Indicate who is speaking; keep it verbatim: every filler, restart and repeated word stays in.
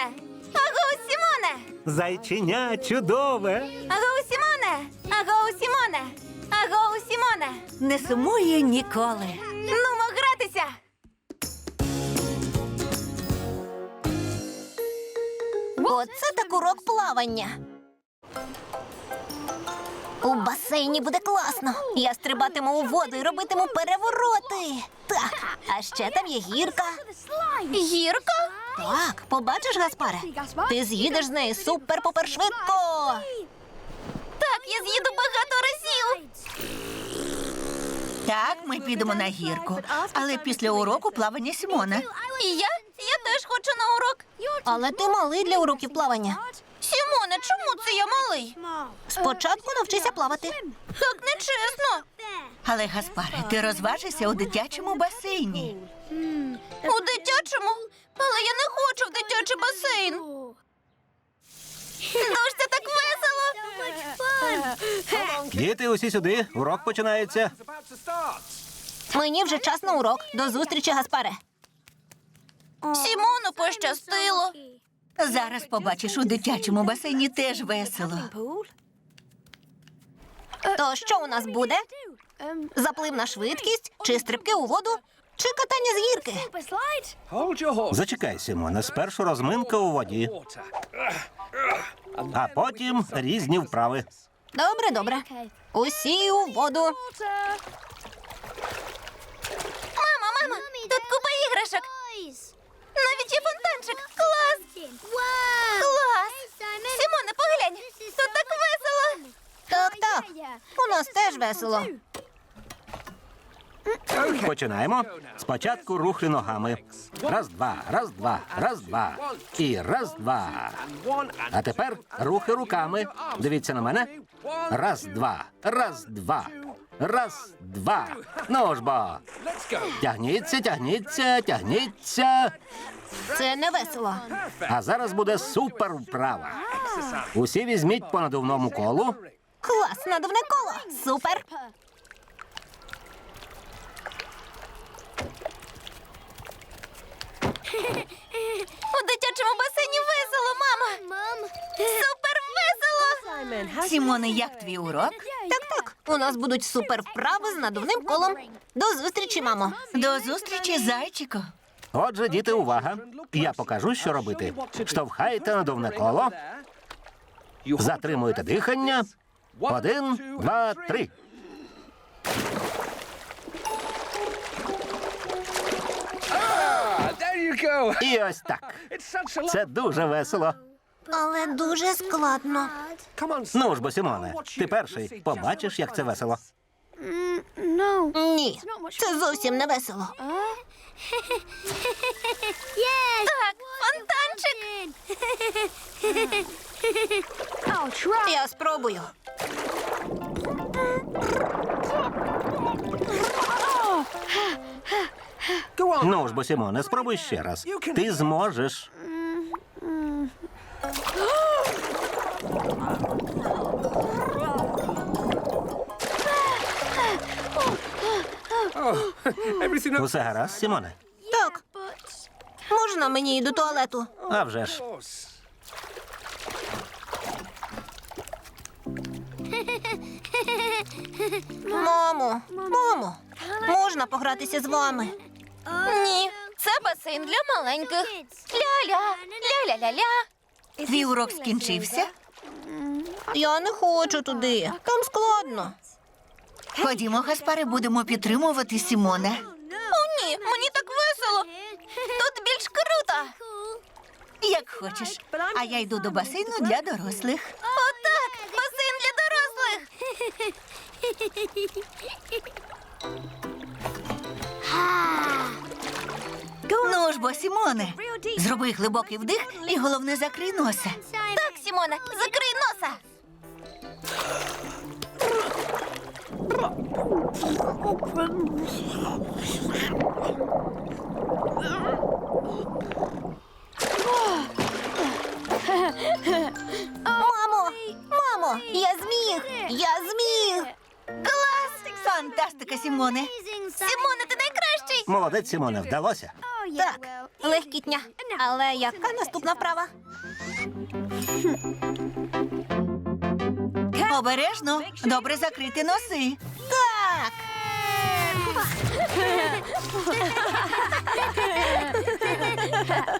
Speaker 1: Сімоне! Агоу, Сімоне!
Speaker 2: Зайченя чудове.
Speaker 1: Агоу, Сімоне! Агоу, Сімоне! Агоу, Сімоне!
Speaker 3: Не сумує ніколи.
Speaker 1: Нумо гратися!
Speaker 4: Оце так урок плавання. У басейні буде класно. Я стрибатиму у воду і робитиму перевороти. Так, а ще там є гірка.
Speaker 1: Гірка?
Speaker 4: Так, побачиш, Гаспаре? Ти з'їдеш з неї супер-пупер швидко.
Speaker 1: Так, я з'їду багато разів!
Speaker 3: Так, ми підемо на гірку. Але після уроку плавання Сімона.
Speaker 1: І я? Я теж хочу на урок.
Speaker 4: Але ти малий для уроків плавання.
Speaker 1: Сімоне, чому це я малий?
Speaker 4: Спочатку навчися плавати.
Speaker 1: Так нечесно.
Speaker 3: Але, Гаспаре, ти розважишся у дитячому басейні.
Speaker 1: У дитячому? Але я не хочу в дитячий басейн. Душ, це так весело.
Speaker 2: Діти, усі сюди. Урок починається.
Speaker 4: Мені вже час на урок. До зустрічі, Гаспаре.
Speaker 1: Сімону пощастило.
Speaker 3: Зараз побачиш, у дитячому басейні теж весело.
Speaker 4: То що у нас буде? Заплив на швидкість, чи стрибки у воду, чи катання з гірки?
Speaker 2: Зачекай, Сімоне, спершу розминка у воді, а потім різні вправи.
Speaker 4: Добре, добре. Усі у воду.
Speaker 1: Мамо, мамо, тут купа іграшок. Навіть є фонтанчик. Клас! Клас! Сімоне, поглянь, тут так весело.
Speaker 4: Так, так. У нас теж весело.
Speaker 2: Починаємо. Спочатку рухи ногами. Раз, два, раз, два, раз, два. І раз, два. А тепер рухи руками. Дивіться на мене. Раз, два, раз, два. Раз, два. Ну ж бо. Тягніться, тягніться, тягніться.
Speaker 4: Це не весело.
Speaker 2: А зараз буде супер вправа. Усі візьміть по надувному колу.
Speaker 4: Клас, надувне коло. Супер.
Speaker 1: У дитячому басейні весело, мама. Супер весело.
Speaker 3: Сімоне, як твій урок?
Speaker 4: Так, так. У нас будуть супер вправи з надувним колом. До зустрічі, мамо.
Speaker 3: До зустрічі, зайчику.
Speaker 2: Отже, діти, увага. Я покажу, що робити. Штовхайте надувне коло. Затримуєте дихання. Один, два, три. І ось так. Це дуже весело.
Speaker 4: Але дуже складно.
Speaker 2: Ну ж бо, Сімоне, ти перший. Побачиш, як це весело.
Speaker 4: Ні, це зовсім не весело.
Speaker 1: Так, фонтанчик.
Speaker 4: Я спробую.
Speaker 2: Ну ж бо, Сімоне, спробуй ще раз. Ти зможеш. Усе гаразд, Сімоне?
Speaker 4: Так. Можна мені і до туалету?
Speaker 2: А вже ж.
Speaker 4: Мамо, мамо, можна погратися з вами?
Speaker 1: Ні, це басейн для маленьких. Ля-ля, ля-ля-ля-ля.
Speaker 3: Твій урок скінчився?
Speaker 4: Я не хочу туди. Там складно.
Speaker 3: Ходімо, Гаспаре, будемо підтримувати Сімона.
Speaker 1: О, ні, мені так весело. Тут більш круто.
Speaker 3: Як хочеш. А я йду до басейну для дорослих.
Speaker 1: Отак, басейн для дорослих.
Speaker 3: Ну ж бо, Сімоне, зроби глибокий вдих і, головне, закрий носа.
Speaker 1: Так, Сімоне, закрий носа.
Speaker 4: Мамо, мамо, я зміг! Я зміг!
Speaker 1: Клас!
Speaker 3: Фантастика, Сімоне.
Speaker 1: Сімоне, ти найкращий.
Speaker 2: Молодець, Сімоне, вдалося.
Speaker 4: Так, Легкітня. Але яка наступна вправа?
Speaker 3: Обережно, добре закрити носи.
Speaker 4: Так.